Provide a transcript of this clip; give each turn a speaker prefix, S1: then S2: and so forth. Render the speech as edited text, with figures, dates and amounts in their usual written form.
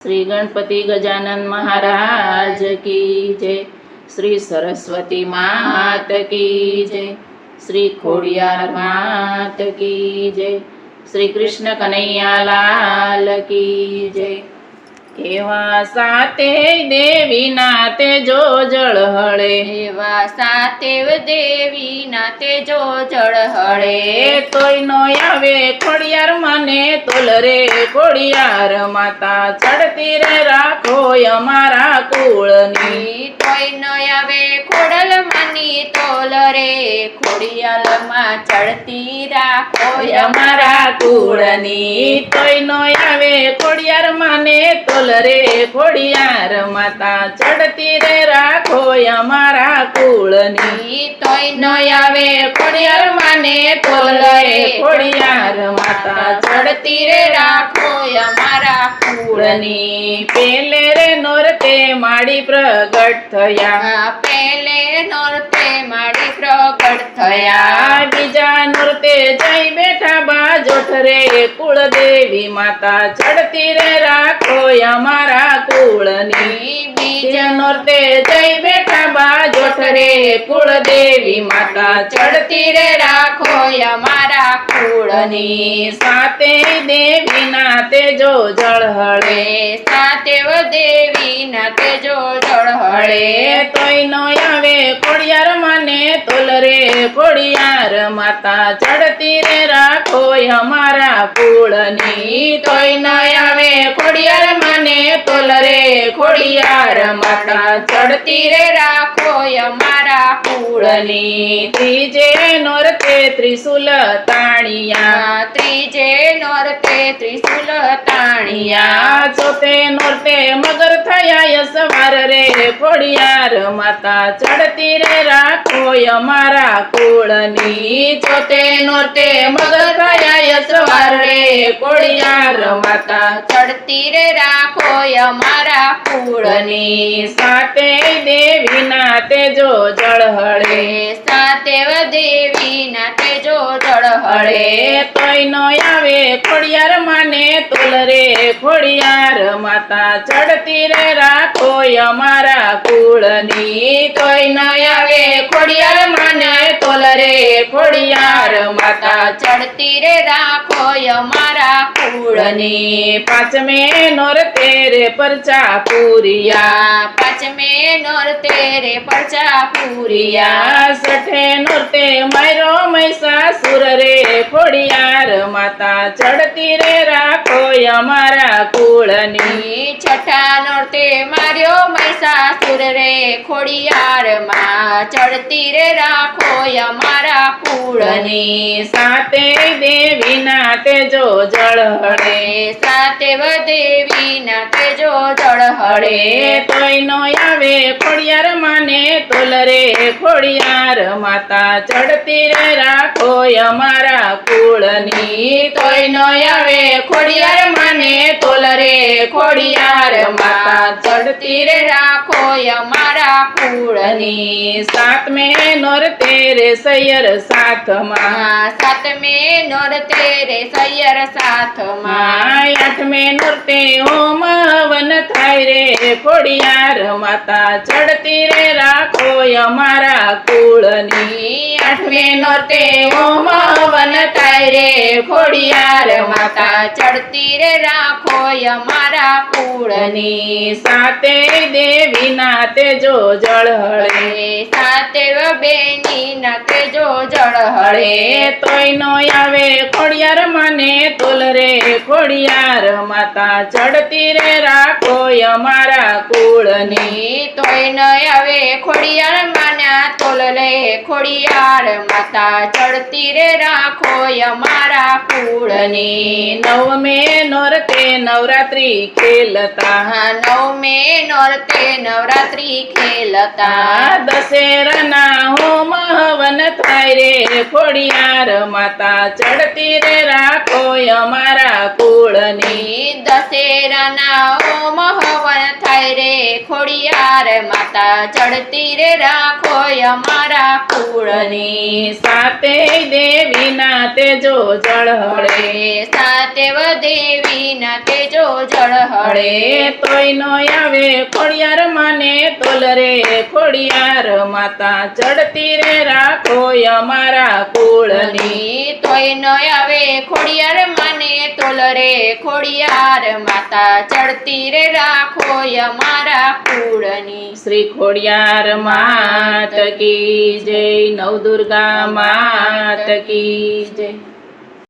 S1: श्री गणपति गजानन महाराज की जय। श्री सरस्वती मात की जय। श्री खोडियार मात की जय। श्री कृष्ण कन्हैया लाल की जय। एवा साते देवी नाते जो जळ हळे,
S2: એવા સાતેવ દેવી નાતે જો જળ હળે,
S1: તોય નો આવે ખોડિયાર માને તોલ રે ખોડિયાર માતા ચડતી રે રાખો અમારા કુળની,
S2: તોય ન આવે ખોડલ માની તોલ રે ખોડિયાલ માં ચડતી રાખો
S1: અમારા કુળની, તોય નો આવે ખોડિયાર માને તોલ રે ખોડિયાર માતા ચડતી રે રાખો અમારા કુળની,
S2: તોય ન
S1: આવે ખોડિયાર માને તોલ રે ખોડિયાર માતા ચડતી રે રાખો
S2: અમારા
S1: કુળની। પેલે રે નોરતે માડી પ્રગટ થયા,
S2: પેલે નોરતે માડી પ્રગટ થયા,
S1: બીજા નોરતે જઈ બેઠા બાજોઠ રે કુળદેવી માતા ચડતી રે રાખો અમારા કુળની, બીજા નોરતે જઈ બેઠા બાજોઠ રે કુળદેવી માતા ચડતી રે રાખો
S2: અમારા
S1: કુળની। સાતે દેવી નાતે જો જળ હળે,
S2: સાતેવ દેવી નાતે જો જળ હળે,
S1: તોય નો આવે ખોડિયાર માને તોલ રે ખોડિયાર માતા ચડતી રે રાખો અમારા કુળની, તોય ન આવે ખોડિયાર માને તોલ રે ખોડિયાર માતા ચડતી રે
S2: રાખો અમારા
S1: કુળની। ત્રીજે નોરતે ત્રિશુલ તાણિયા,
S2: ત્રીજે નોરતે ત્રિશુલ
S1: તાણિયા, ચોથે નોરતે મગર થયા સવાર રે ખોડિયાર માતા ચડતી રે રાખો અમારા કુળની, ચોથે નોરતે મગર થયા સવાર રે ખોડિયાર માતા
S2: ચડતી રે રાખો અમારા
S1: કુળની। સાતે દેવી નાતે જો જળ હળે,
S2: સાતેવ દેવી નાતે જો જળ હળે,
S1: તોય નો આવે ખોડિયાર માને તોલ રે ખોડિયાર માતા ચડતી રે રાખો અમારા કુળની, તોય ન આવે ખોડિયાર માને તોલ રે ખોડિયાર માતા
S2: ચડતી રે રાખો અમારા
S1: કુળની। પાંચમે નોરતે રે પરચા પૂરિયા,
S2: પાંચમે નોરતે રે પરચા પૂરિયા,
S1: છઠે નોરતે માયરો મહિષાસુર રે ખોડિયાર માતા ચડતી રે રાખો અમારા કુળની,
S2: છઠ્ઠા નોરતે માર્યો મહિષાસુર રે ખોડિયાર માં ચડતી રે રાખો અમારા કુળની।
S1: સાતે દેવી નાતે જો જળ હળે,
S2: સાતેવ દેવી નાતે જો જળ હળે,
S1: તોય નો આવે ખોડિયાર માને તોલ રે ખોડિયાર માતા ચડતી રે રાખો અમારા કુળની, તોય નો આવે ખોડિયાર માને તોલ રે ખોડિયાર માતા ચડતી રે
S2: રાખો અમારા
S1: કુળની। સાતમે નોરતે રે સૈયર સાથમાં,
S2: સાતમે નોરતે રે સૈયર સાથમાં,
S1: આઠમે નોરતે હોમ હવન થાય રે ખોડિયાર માતા ચડતી રે રાખો અમારા કુળની, આઠમે નોરતે હોમ હવન થાય રે ખોડિયાર માતા
S2: ચડતી રે રાખો અમારા
S1: કુળની। સાતે દેવી નાતે જો જળ હળે,
S2: સાતેવ બેની નાતે જો જળ હળે,
S1: તોય નો આવે ખોડિયાર માને તોલ રે ખોડિયાર માતા ચડતી રે રાખો અમારા કુળની,
S2: તોય ન આવે ખોડિયાર માના તોલ રે ખોડિયાર માતા ચડતી રે રાખો અમારા કુળની।
S1: નવમે નોરતે નવરાત્રી ખેલતા,
S2: નવમે નોરતે નવરાત્રી ખેલતા,
S1: દશેરાના હોમ હવન થાય રે ખોડિયાર માતા ચડતી રે રાખો અમારા કુળની,
S2: દશેરાના હોમ હવન થાય રે ખોડિયાર માતા ચડતી રે રાખો અમારા કુળની
S1: સાતે દેવીના તેજો જળહળે
S2: સાતેવ દેવીના તેજો જળહળે
S1: તોય નો આવે ખોડિયાર માને તોલ રે ખોડિયાર માતા ચડતી રે રાખો અમારા કુળની
S2: તોય ન આવે ખોડિયાર માને તોલ રે ખોડિયાર માતા ચડતી રે રાખો અમારા કુળની
S1: શ્રી ખોડિયાર માત કી જય નવદુર્ગા માત કી જય